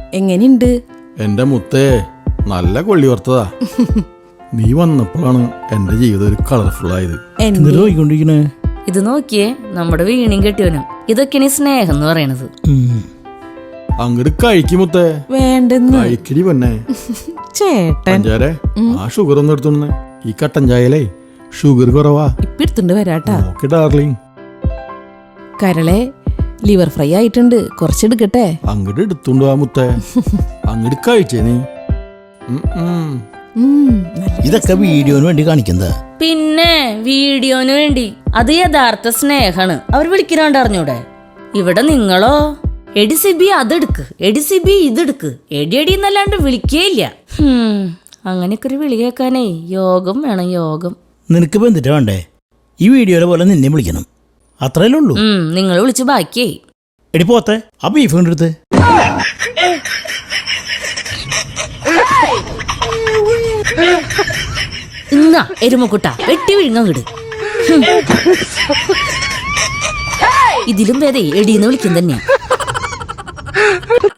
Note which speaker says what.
Speaker 1: എങ്ങനെയുണ്ട്?
Speaker 2: എന്റെ മുത്തേ, നല്ല കൊള്ളി ഓർത്തതാ. നീ വന്നപ്പോഴാണ് എന്റെ ജീവിതം ഒരു കളർഫുൾ ആയത്.
Speaker 3: ഇത് നോക്കിയേ, നമ്മുടെ വീണും കെട്ടിയവനും. ഇതൊക്കെയാണ് സ്നേഹം എന്ന് പറയണത്.
Speaker 2: അങ്ങോട്ട് കഴിക്കും മുത്തേ.
Speaker 1: വേണ്ടെന്ന്
Speaker 2: കഴിക്കടി പൊന്നെ.
Speaker 1: ചേട്ടൻ
Speaker 2: പഞ്ചാരെ, ആ ഷുഗർ ഒന്നും എടുത്തോണ്ടേ. ഈ കട്ടൻ ചായലേ ഷുഗർ കുറവാ.
Speaker 1: ഇപ്പൊ എടുത്തുണ്ട് വരാട്ടാ.
Speaker 2: Okay darling.
Speaker 1: കരളെ ലിവർ ഫ്രൈ ആയിട്ടുണ്ട്, കുറച്ചെടുക്കട്ടെ.
Speaker 2: അങ്ങോട്ട് എടുത്തോണ്ട് വാ മുത്തേ. അങ്ങോട്ട് കഴിച്ചേ നീ.
Speaker 4: ഇതൊക്കെ വീഡിയോന് വേണ്ടി കാണിക്കുന്നത്.
Speaker 3: പിന്നെ വീഡിയോന് വേണ്ടി. അത് യഥാർത്ഥ സ്നേഹാണ്. അവർ വിളിക്കാണ്ട് അറിഞ്ഞൂടെ? ഇവിടെ നിങ്ങളോ എടി സിബി അതെടുക്ക്, എടി സിബി ഇതെടുക്ക്, എടി എടി എന്നല്ലാണ്ട് വിളിക്കേയില്ല. അങ്ങനെയൊക്കെ ഒരു വിളി കേൾക്കാനേ യോഗം വേണം, യോഗം.
Speaker 4: നിനക്ക് ബന്ധിട്ട് വേണ്ടേ? ഈ വീഡിയോയിലെ പോലെ നിന്നെ വിളിക്കണം, അത്രയല്ലേ ഉള്ളൂ.
Speaker 3: നിങ്ങൾ വിളിച്ച് ബാക്കിയായി.
Speaker 4: എടി പോത്തെ, ആ ബീഫ് കണ്ടെടുത്ത്.
Speaker 3: ഇന്നാ എരുമക്കുട്ട വെട്ടി വിഴുങ്ങട്. ഇതിലും ഭേദേ എടീന്ന് വിളിക്കും തന്നെയാ.